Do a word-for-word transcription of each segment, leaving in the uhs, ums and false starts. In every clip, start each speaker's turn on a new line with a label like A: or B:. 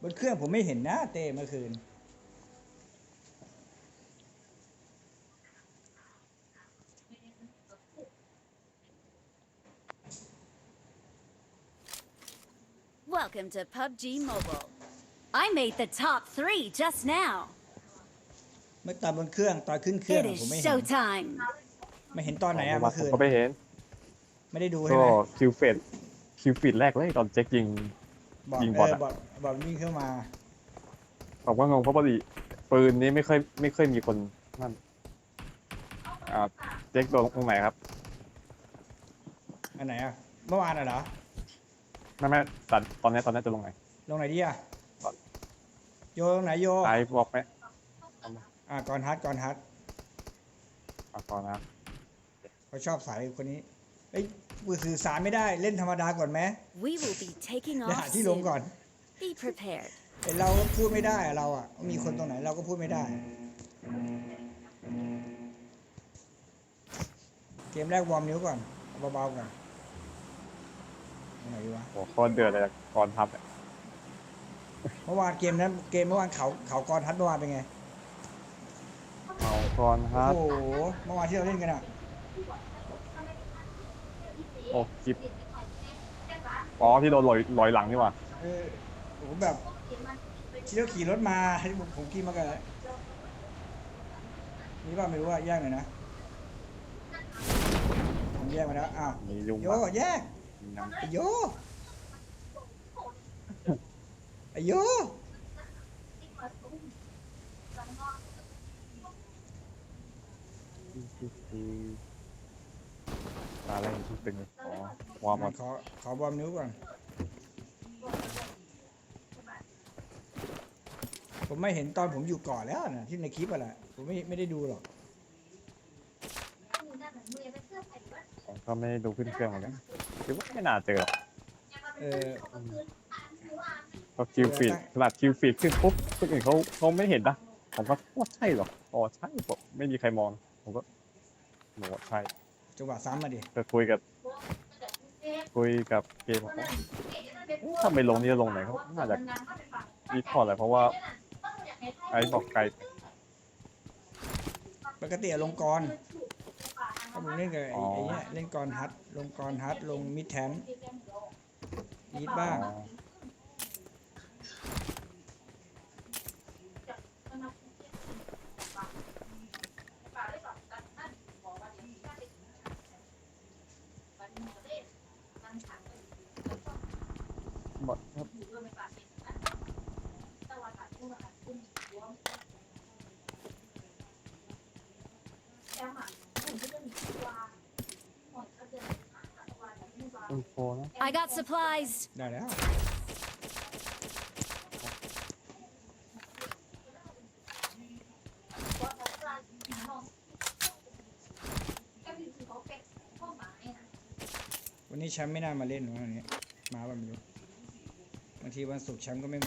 A: บนเครื่องผมไม่เห็นนะเต้เมื่อคืน
B: Welcome to พับจี Mobile. I made the top three just now.
A: เมื่อตอนบนเครื่องตอนขึ้นเครื่อง
B: It
A: ผมไม่
B: is
A: เห็น
B: showtime.
A: ไม่เห็นตอนไหน
C: เมื่
A: อะ
C: อวา
A: เมื่
C: น
A: อคืน
C: ผมก็ไม่เห็น
A: ไม่ได้ดูใช่
C: ก็
A: ไหม
C: คิวเฟดคิวฟีดแรกเลยตอนเจ๊กยิง
A: บอด
C: ยิง
A: เอบ
C: อ
A: อ
C: ทอะ
A: บอดบอดวิ่งเข้ามา
C: ผมก็งงเพราะปกติปืนนี้ไม่เคยไม่เคยมีคนนั่นอ่าเจ๊กโดนตรงไหนครับ
A: อันไหนอะเมื่อวานอะเหรอ
C: ไม่ไม่ตอนตอนนี้ตอนนี้จะลงไหน
A: ลงไหนดีอะโยลงไหนโย
C: ไอ้บอกไหม
A: อ่ะก่อนฮัทก่อนฮัท
C: เอาก่อนนะ
A: เขาชอบสายคนนี้เอ้ยสื่อสารไม่ได้เล่นธรรมดาก่อนไหม
B: We will be taking
A: เดี๋ยวหา
B: off
A: ที่ลง
B: soon.
A: ก่อน
B: Be prepared.
A: แต่เราก็พูดไม่ได้อะเราอะมีคนตรงไหนเราก็พูดไม่ได้ เกมแรกวอร์มนิ้วก่อนเอาเบาๆก่อนตรงไหนดีวะ
C: โอ้โคตรเดือดเลยก่อนทับเนี่ย
A: เมื่อวานเกมนั้นเกมเมื่อวานเขาเขากรทัดเมื่อวานเป็นไง
C: เอาก่อนครับ
A: โอ้โหเมื่อวานที่เราเล่นกันอะ
C: โอ้คลิปอ๋อที่โดนลอยลอยหลังนี่หว่า
A: เออโอ้โหแบบที่เราขี่รถมาให้ผมผมขี่มากันเลยนี่ว่าไม่รู้ว่าแยกหน่อยนะผมแยกมาแล้วอ้าว
C: มียุง
A: โย
C: มา
A: แยก
C: ยัง
A: ไอโยไอโย
C: ตาแรกที่ตึงอ๋อวอร์มหมด
A: ขอขอบอมนิ้วก่อนผมไม่เห็นตอนผมอยู่ก่อนแล้วนะที่ในคลิปอะแหละผมไม่ไม่ได้ดูหรอก
C: ผมก็ไม่ได้ดูขึ้นเครื่องเหมือนกันคิดว่าไม่น่าเจอหรอก
A: เออ
C: พอคิวฟีดขนาดคิวฟีดขึ้นปุ๊บคนอื่นเขาเขาไม่เห็นนะผมก็ว่าใช่หรออ๋อใช่ผมไม่มีใครมองผมก็บอกว่าใช่
A: จังหวะซ้ำมาดิ
C: ก็คุยกับคุยกับเกมบอกว่าถ้าไม่ลงนี่จะลงไหนเขาน่าจะมีพอแหละเพราะว่าไอ้บอกไกล
A: ปกติอะลงกรถ้าผมเล่นกับไอ้ไอ้เนี่ยเล่นกรฮัทลงกรฮัทลงมิดแทนยีดบ้าง
C: อ๋อ หมดครับ อินโฟนะ
B: I got supplies.
A: ได้แล้ววันนี้แชมป์ไม่น่ามาเล่นหรอกวันนี้มาแบบไม่รู้บางทีวันศุกร์แชมป์ก็ไม่มา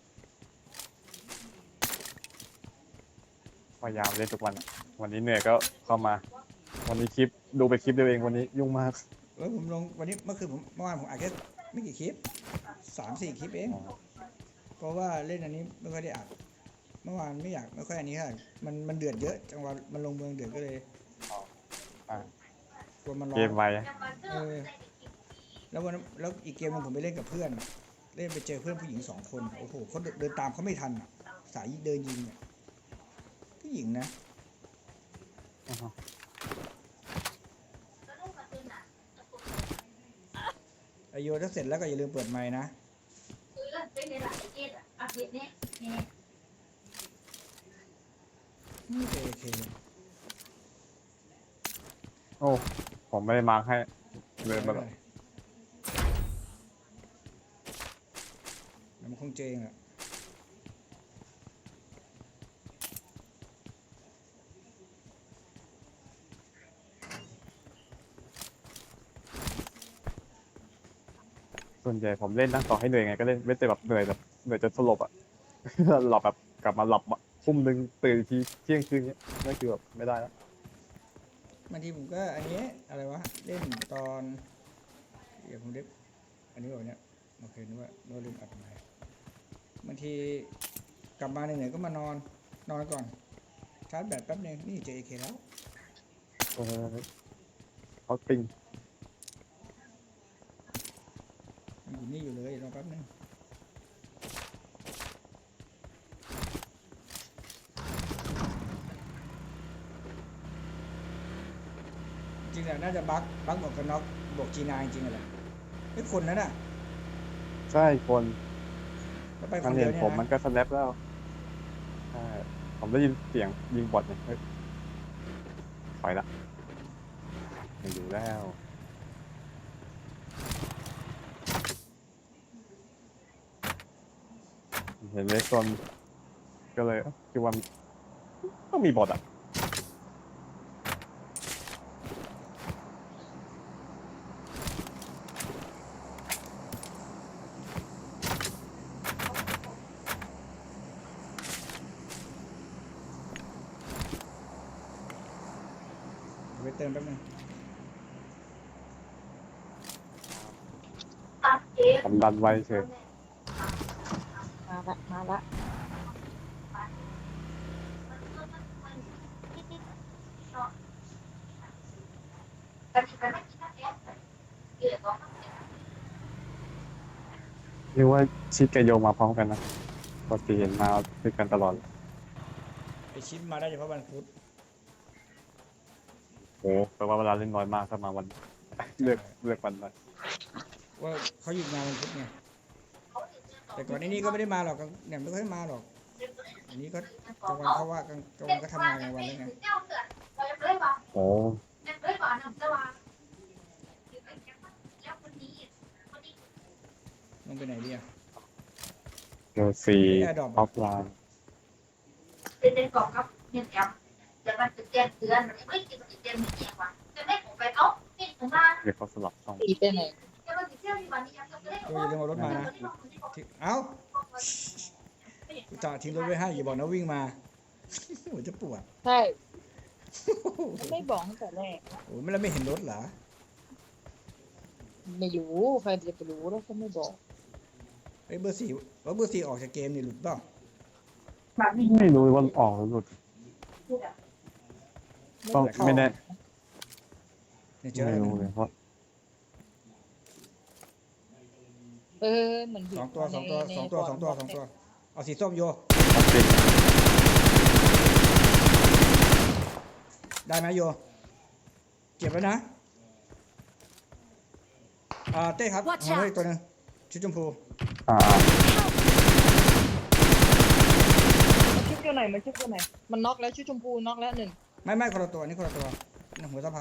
C: พยายามเล่นทุกวันอะวันนี้เหนื่อยก็เข้ามา วันนี้คลิปดูไปคลิปเดียวเองวันนี้ยุ่งมาก
A: เออผมลงวันนี้เมื่อคืนผมเมื่อวานผมอัดแค่ไม่กี่คลิปสามสี่คลิปเอง
C: อ๋อ
A: เพราะว่าเล่นอันนี้ไม่ค่อยได้อัดเมื่อวานไม่อยากไม่ค่อยอันนี้ค่ะมันมันเดือดเยอะจังหวะมันลงเมืองเดือดก็เลย
C: อ่ะ
A: กลัวมันร้อ
C: เกม
A: น
C: ไว
A: เออแล้ววันนั้นแล้วอีกเกมหนึงผมไปเล่นกับเพื่อน เล่นไปเจอเพื่อนผู้หญิงสองคนโอ้โหเขาเดินเดินตามเขาไม่ทันอ่ะ สายเดินยิงเนี่ยผู้หญิงนะ
C: อ่าฮะ
A: ไอโยถ้าเสร็จแล้วก็อย่าลืมเปิดไมค์นะนี่เอเค
C: โอ้ผมไม่ได้มาร์คให้เดินมาแล้ว
A: แล้วมันคงเจงอ่ะ
C: ส่วนใหญ่ผมเล่นนั่งต่อให้เหนื่อยไงก็เล่นไม่แต่แบบเหนื่อยแบบเหนื่อยจนสลบอ่ะ หลับแบบกลับมาหลับอ่ะทุ่มหนึ่งตื่นอีกทีเที่ยงคืนเนี้ยนั่นคือแบบไม่ได้แล้ว
A: บางทีผมก็อันนี้อะไรวะเล่นตอนเดี๋ยวผมเด็บอันนี้บอกเนี่ยโอเคนึกว่านึกว่าลืมอัดไมค์บางทีกลับมาเหนื่อยๆก็มานอนนอนก่อนชาร์จแบตแป๊บนึงนี่เจอเอเคแล้ว
C: เออเขาปิง
A: อยู่นี่อยู่เลยรอแป๊บนึงจริงๆแล้วน่าจะบักบักบอกกันน็อกบอกจีนายจริงๆแหละไม่คนนั้นอ่ะ
C: ใช่คน
A: แล้วไปค
C: มัน
A: นเดี
C: เห็
A: ยวน เนี่ย
C: ผมมัน
A: นะ
C: ก็สแนปแล้วใช่ผมได้ยินเสียงยิงบอทเนี่ยเฮ้ยถอยละไม่อยู่แล้ว เห็นเลสโซนก็เลยเอ้าคิดว่าต้องมีบอทอ่ะ
A: ไปเติมแป๊บนึง
C: ผมดันไว้เฉย
D: มาละมาละ
C: เรียกว่าชิดกับโยมาพร้อมกันนะปกติเห็นมาด้วยกันตลอด
A: ไปชิปมาได้เฉพาะวันพุธ
C: โอ้แปลว่าเวลาเล่นน้อยมากถ้ามาวัน เลือกเลือกวันนั้น
A: ว่าเขาหยุดงานวันพุธไงแต่ก่อนนี้นี่ก็ไม่ได้มาหรอกเนี่ยไม่ค่อยมาหรอกอันนี้ก็กลางวันเขาว่ากลางกลางวันก็ทำงานกลางวันแล้วไง
C: โอ้
A: ลงไปไหนดีอะ
C: เจอฟรีออฟไลน์
E: เป็นในกล่องกับเงินแอมแต่มันจะแจ้งเตือนมันไม่กินมันจะแจ้งไม่แจ้งว่าจะได้ผมไปเอ้าปิดผมมา
C: เรียกเขาสลับช่อง
D: ตีไปไหน
E: จะมาติดเที่ยวที่วันนี้ยังจะได้
A: โอ้ยอย่าลืมเอารถมานะที่เอ้ากูจอดทิ้งรถไว้ให้อย่าบอกนะวิ่งมา โอ้ยจะปวด
D: ใช่มันไม่บอกตั้งแต่แรก
A: โอ้ยไม่แล้วไม่เห็นรถเหรอ
D: ไม่รู้ใครจะไปรู้แล้วก็ไม่บอก
A: ไอ้ยเบอร์สี่ว่าเบอร์สี่ออกจากเกมนี่หลุดเปล่า
C: ไม่รู้ว่าออกหรือหลุดต้องไม่แน่
A: เนี่ยเจอ
C: ไม่
A: แล้ว
C: รู้เลยเพราะ
D: เออเหมือน
A: สองตัวสองตัวสองตัวสองตัวสองตัวเอาสีส้มโย
C: มันเป็น
A: ได้ไหมโยเก็บไว้นะอ่าเต้ครับ
B: Watch
A: เอาไว้
B: out
A: อีกตัวหนึงชุดชมพู
C: อ่า
D: มันชุดตัวไหนมันชุดตัวไหนมันน็อกแล้วชุดชมพูน็อกแล้วหนึ่ง
A: ไม่ไม่คนละตัวนี่คนละตัวนี่หัวสะพาน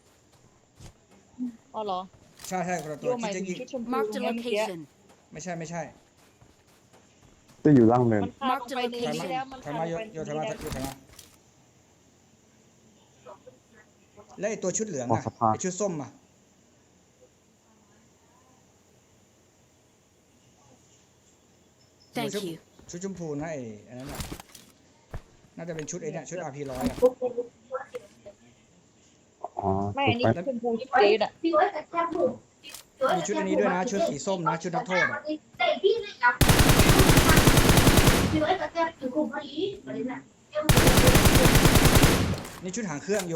D: อ๋อเหรอ
A: ใช่ใช่คนละตั
D: โยว หมาย
A: ที่
D: ถึ
A: จะ
D: ง
A: ยิง
D: ชุดชมพู
B: Marked a
D: เนี่ยเมื่อกี้
B: location.
A: ไม่ใช่ไม่ใช่
C: จะอยู่ล่างเนิน
D: มันพาลงไปใน
A: ถอย
D: นี้
A: มา
D: แล้วมัน
A: ถอย
D: พา
A: มา
D: ล
A: โย
D: งไป
A: โย
D: ใน
A: ถอยมา
D: นี้แล้ว
A: โยถอยมาแล้วไอ้ตัวชุดเหลือง
C: ออ
A: อะ
C: กสะพาน
A: ไอ้ชุดส้มอะ
B: Thank
A: ชุด
B: you.
A: ชุดชมพูนะไอ้อันนั้นอะน่าจะเป็นชุดไอ้เนี่ยชุด อาร์ พี ร้อยอะ
C: อ๋อ
D: ไม่อันนี้
C: ถูก
D: ชมพูชุดเกรดอ่ะ
E: พี่ร้อยแต่แจ้งผม
A: มีชุดอันนี้ด้วยนะชุดสีส้มนะชุดนักโทษอะ
E: แต่พี่เลยครับพี่ร้อยแต่แจ้งถึงกลุ่มพอดีอะไรน่ะ
A: นี่ชุดหางเครื่องโย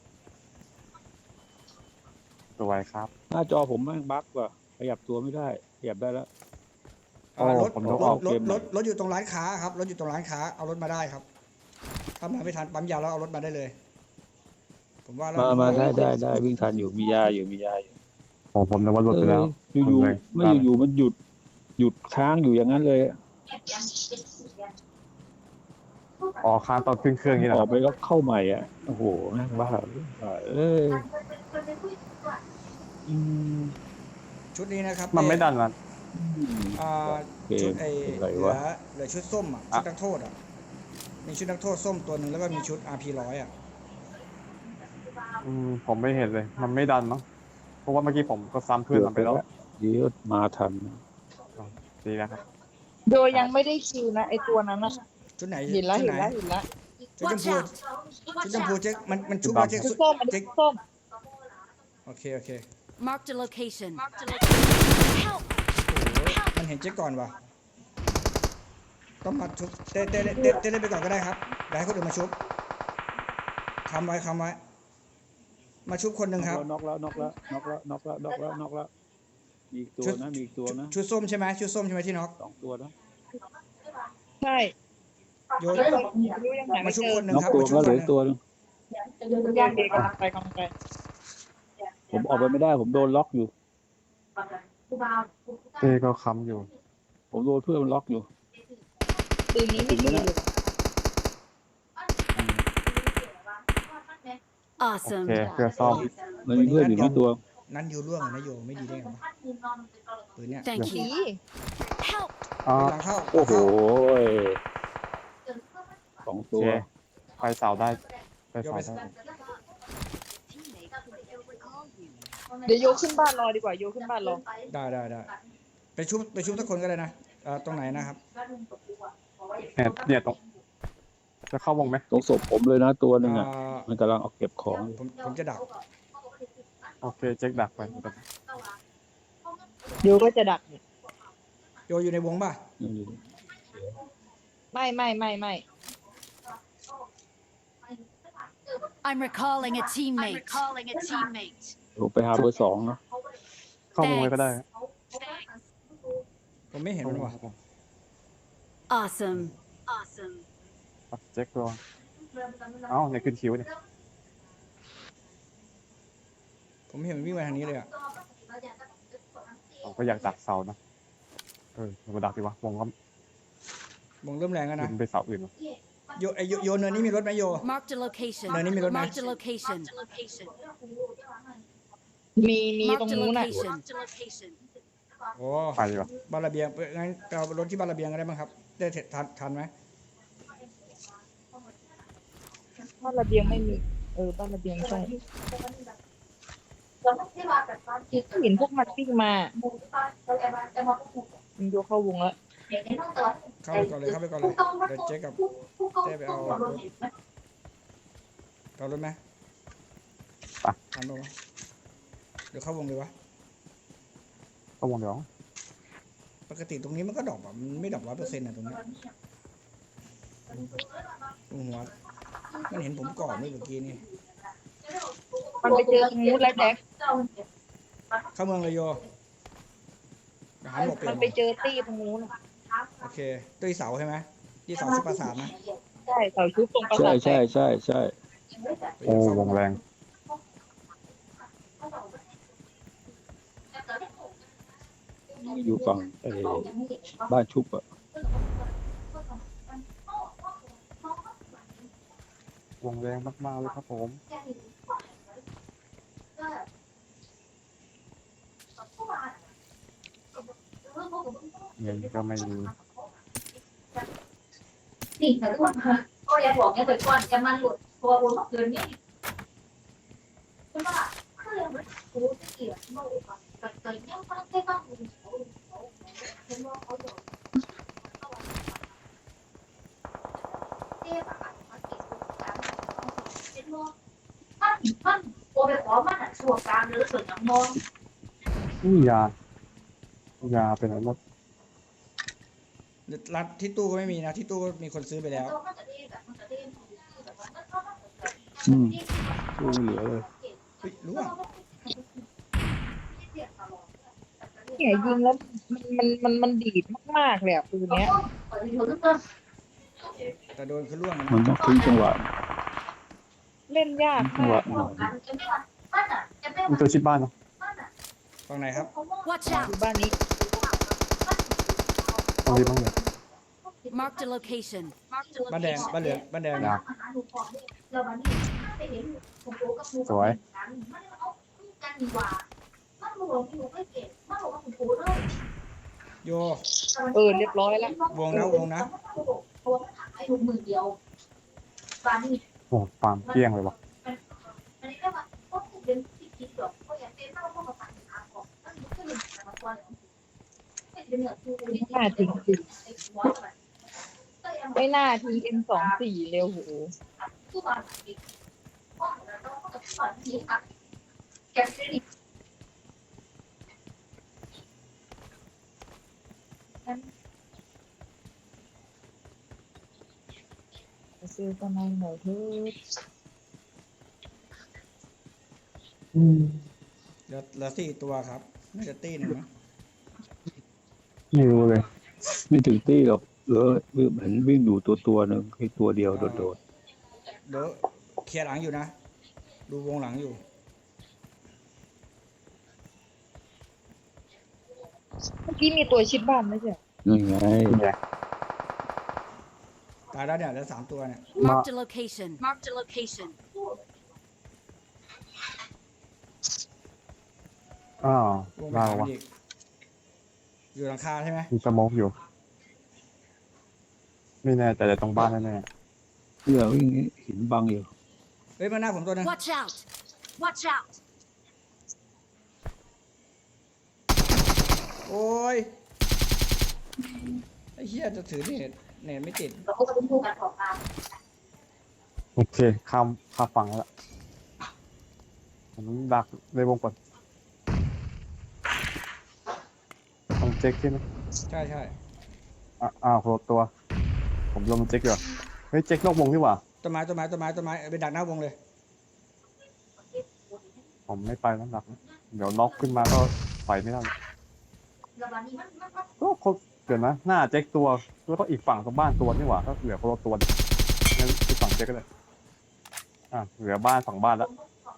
C: สวยครับ
F: หน้าจอผมแม่งบั๊กว่ะขยับตัวไม่ได้ขยับได้แล้ว
A: อ่ารถ
C: ผม
A: ร
C: ย
A: ถ
C: กออก
A: ร
F: เก
A: ถ
F: มหน่
A: ร
F: อย
A: ถรถอยู่ตรงร้านค้าครับรถอยู่ตรงร้านค้าเอารถมาได้ครับถ้ามาไม่ทันปั๊มยาแล้วเอารถมาได้เลย ผมว่าแล้ว
F: มามาได้ได้ได้วิ่งทันอยู่มียาอยู่มียาอยู่
C: ผมผมนึกว่าหลุดไปแล้ว
F: เอออยู่ๆไม่อยู่ๆมันหยุดหยุดค้างอยู่อย่างนั้นเลย
C: อ๋อค้างตอนขึ้นเครื่องนี่แห
F: อ
C: ละ
F: อกไปก็เข้าใหม่อ่ะโอ้โหแม่งบ้าเอ้ยอืม
A: ชุดนี้นะครับ
C: มันไม่ดันนะ
A: อ่า
F: เก
A: ชุ
F: ม
A: ดไอ้
F: อะไร
A: เหลื
F: วะ
A: อเหลือชุดส้มอ่ะชุดนักโทษอ่ะมีชุดนักโทษส้มตัวหนึ่งแล้วก็มีชุด อาร์ พี ร้อยอ่ะ
C: อืมผมไม่เห็นเลย มันไม่ดันเนาะเพราะว่าเมื่อกี้ผมก็ซ้ำเพื่อนมันไปแล้ว
F: เดี๋ยวมาทัน
C: ดีแล้วครับ
D: โดยยังไม่ได้คิวนะไอตัวนั้นนะ
A: ชุดไหน
D: เห็นแล้ว
A: ชุด
D: เห็น
A: ไหน
D: แล้วเห็นแล้ว
A: ชุดชม
B: Watch
A: พู
B: out.
A: ชุด
B: Watch
A: ชมพู
B: out.
A: เจ๊กมันมันชุบมาเจ๊ก
D: ชุดส้มมัน
A: เจ๊ก
D: ชุดส้ม
A: โอเคโอเค
B: Marked a location. Marked a location. Help!
A: โอ้โหมันเห็นเจ๊กก่อนว่ะต้องมาชุบเต้เต้เต้เต้เล่นไปก่อนก็ได้ครับเดี๋ยวให้คนอื่นมาชุบคำไว้คำไว้มาชุบคนหนึ่งครับ
F: น็อกแล้วน็อกแล้วน็อกแล้วน็อกแล้วน็อกแล้วน็อกแล้วมีอีกตัว
A: ชุด
F: นะมีอีกตัวนะ
A: ชุดส้มใช่ไหมชุดส้มใช่ไหมที่น็อก
F: สองตัวนะ
D: ใช่
A: โยน
D: ไม่รู้ยังหา
A: มา
D: ไม่
A: ชุบ
D: เจอ
A: คนหนึ่ง
F: น็อก
A: ครับ
F: ตัว
A: มาชุบ
F: แล้ว
A: ค
F: เหลื
A: น
F: อ
A: หนึ่ง
F: อีกตัวหนึง
D: ย่างเด็กกำลังไปกำลังไป
F: ผมออกไปไม่ได้ผมโดนล็อกอยู่
C: เต้ก็ค้ำอยู่
F: ผมโดนเพื่อนมันล็อกอยู่
D: ปืนนี้ไม่ดีเลย
C: โอ
B: Awesome.
C: เคเพื่อซ่อม
F: มันมีเพื่อนอยู่ที่ตัว
A: นั้นโยร่วงอะนะโยไม่ดีได้ไงวะปืนเนี้ย
B: Thank
D: ดี
B: you. Help.
C: อ๋อ
A: หลังเข้า
F: โอ้โห
A: หลังเข้า
F: สอง
C: โอ
F: ตัว
C: เคไปเสาได้ไปเสาได้
D: เดี๋ยวโยขึ้นบ้านรอดีกว่าโยขึ้นบ้านรอ
A: ได้ได้ได้ไปชุบไปชุบทุกคนก็ได้นะเอ่อตรงไหนนะครับ
C: เนี่ยเนี่ยตรงจะเข้าวงไหม
F: ตรงศพผมเลยนะตัวหนึ่ง
A: เอ่
F: อ่ะ
A: อ
F: มันกำลังเอาเก็บของอยู่
A: ผมผมจะดัก
C: โอเคเจ๊กดักไป
D: โยก็จะดักเนี่ย
A: โยอยู่ในวงป่ะ
F: นี่
D: ไม่ไม่ไม่ไม่
B: I'm recalling a teammate. I'm recalling a teammate.
F: ผมไปหาเบอร์สองนะ
C: เข้าวงไว้ก็ได้
A: ผมไม่เห็นมันว่ะ
B: Awesome. Awesome.
C: เจ๊กตัวเอ้าเนี่ยขึ้นคิวเนี่ย
A: ผมไม่เห็นมันวิ่งมาทางนี้เลยอ่ะ
C: ผมก็อยากดักเสานะเออมาดักดีวะวงก็
A: วงเริ่มแรงแล้วนะ
C: ขึ้นไปเสาอื่นวะ
A: โยไอโยโยเนินนี้มีรถไหมโย
B: Marked a location.
A: Nè, ní mi rốt nè.
B: Marked a location.
D: มีมีตรง
B: Marked a
D: นู้นน่ะ
B: location.
A: โอ้
C: ไปดีวะ
A: บ้านระเบียงงั้นไปเอารถที่บ้านระเบียงก็ได้มั้งครับได้เสร็จทันทันไหม
D: บ้านระเบียงไม่มีเออบ้านระเบียงใช่เห็นพวกมันวิ่งมามันโยเข้าวงแล้ว
A: เข้าไปก่อนเลยเข้าไปก่อนเลยเดี๋ยวเจ๊กับเจ๊ไปเอารถเอารถไหมทันปะวะเดี๋ยวเข้าวงเลยวะ
C: เข้าวงเดี๋ยว
A: ปกติตรงนี้มันก็ดรอปอ่ะมันไม่ดรอปร้อยเปอร์เซ็นต์อ่ะตรงนี้ตรงหัวมันเห็นผมก่อนด้วยเมื่อกี้นี่
D: มันไปเจอตรงนู้นแล้วแจ็ค
A: เข้าเมืองเลยโยไปหาหมวกเปลี่ย
D: มัน นไปเจอตี้ตรงนู้นน่ะ
A: โอเคตีเสาใช่ไหมที่เสาชุดประสาทนะ
D: ใช่เสาชุบตรงประ
F: ใช่
D: สาท
F: ใช่ใช่ใช่
C: โอ้วงแรง
F: อยู่ฝั่งไอ้บ้านชุบอ่ะ
C: วงแรงมากๆเลยครับผม เงินก็ไม่มี
E: นี่แต่ทุกคนก็อย่าบอกอย่าไปก่อนจะมันหลุดตัวบนเกินนี่ใช่ปะคือยังไม่รู้จะเกี่ยวกับแต่แต่ยังไม่ได้บ้างเห็นว่าเขาโดนเจ๊แบบมาเก็บกันเห็นว่ามันมันโอไปขอมันอ่ะชัวร์กลางหรือส่วนยังมอง
C: นี่ยา ยาเป็นอะไรหมด
A: ร้านที่ตู้ก็ไม่มีนะที่ตู้ก็มีคนซื้อไปแล้ว
F: อืมตู้ไม่เหลือเลย
A: เฮ้ยรู้อ่ะ
D: เนี่ยยิงแล้วมันมันมันมันดีดมากๆเลยอ่ะปืนเนี้ย
A: แต่โดนคือร่วง
F: มันต้องทิ้งจังหวะ
D: เล่นยาก
F: จังห
D: มาว
F: ะ
D: ก
F: หน่อย
C: มันตัวชิดบ้านเนาะ
A: ฝั่งไหนครับ
B: Watch
D: อ
B: out.
D: ยู่บ้านนี้
C: ตรงนี้บ้างเลย
B: Marked a location.
A: บ้านแดงบ้านเหลืองบ้านแดง
C: ยา สวย
A: โย
D: เออเรียบร้อยแล้ว
A: วงนะวงนะ
C: โอ้ฟาร์มเกลี้ยงเลยวะ
D: ไม่น่าทิ้งสิไม่น่าทิ้ง เอ็ม สองสี่ เร็วโห
E: เ
D: จอกันในหน่อยเถิด
C: อืม
A: เหลือเหลือสี่ตัวครับน่าจะตีหนึ่งมั้ง
C: ไม่รู้เลย
F: ไม่ถึงตี้หรอกเหลือเห็นวิ่งอยู่ตัวตัวหนึ่งแค่ตัวเดียวโดด
A: เดี๋ยวเคลียร์หลังอยู่นะ ดูวงหลังอยู่
D: เมื่อกี้มีตัวชิดบ้านไม่ใช่เหรอ
F: ๆนั่นไง
C: เนี่ย
A: ตายแล้วเนี่ยเหลือสามตัวเนี่ย
B: Marked a location. Marked a location.
C: อ้าว
A: วงไป
C: เรา
A: หามั
C: วะ
A: นอีกอยู่หลังคาใช่ไหม
C: มีสโมกอยู่ ไม่แน่ใจแต่ตรงบ้านแน่
F: เพื่อวิ่งหินบังอยู่
A: เฮ้ยมาหน้าผมตัวหนึง
B: Watch out! Watch out!
A: โอ้ยไอ้เหี้ยจะถือเน็ตเน็ตไม่ติด
E: เราก็จะพูดกันของมา
C: ๆโอเคข้ามข้ามฝั่งแล้วล่ะผมดักในวงก่อนต้องเช็คใช่ไหม
A: ใช่ใช่
C: อ่ะอ้าวโคตรตัว ผมลงเช็คอยู่เฮ้ยเช็คนอกวงดีกว่า
A: ต้นไม้ต้นไม้ต้นไม้ต้นไม้ไปดักหน้าวงเลย
C: ผมไม่ไปแล้วดักนะเดี๋ยวน็อกขึ้นมาก็ไปไม่ได้
E: แล้ววันนี้มันมันมัน
C: ก็เขาเดี๋ยวนะหน้าเช็คตัวแล้วก็อีกฝั่งตรงบ้านตัวนี่หว่าก็เหลือคนละตัวงั้นอีกฝั่งเช็คก็เลยอ่ะเหลือบ้านฝั่งบ้านแล้ว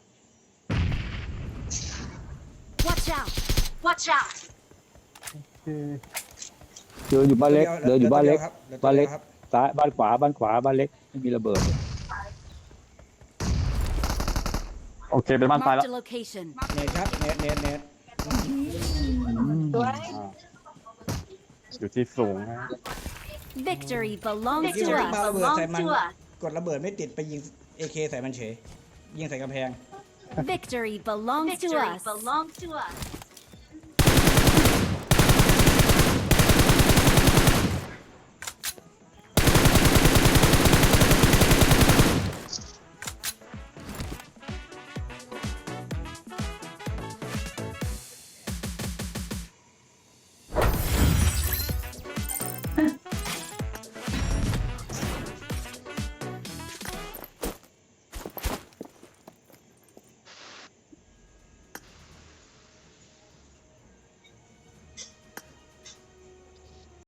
B: Watch out! Watch out!
C: โอเค
F: เดินอยู่บ้านเล็กเดินอยู่บ้านเล็ก
A: หลือตัว
F: บ้านเล็ก
A: ดียวครับ
F: ซ้ายบ้านขวาบ้านขวาบ้านเล็กไม่มีระเบิด
C: โอเคเป็นบ้านตายแล้ว
B: Marked a location.
A: เน็ตครับเน็ตเน็ตเน็ต
D: ตัว
C: อ่าอยู่ที่สูงนะ
B: Victory belongs to
A: Victory
B: us.
A: belongs to
B: Belongs to us.
A: กดระเบิดไม่ติดไปยิง เอ เค ใส่มันเฉยยิงใส่กำแพง
B: Victory belongs to us. Belongs to us.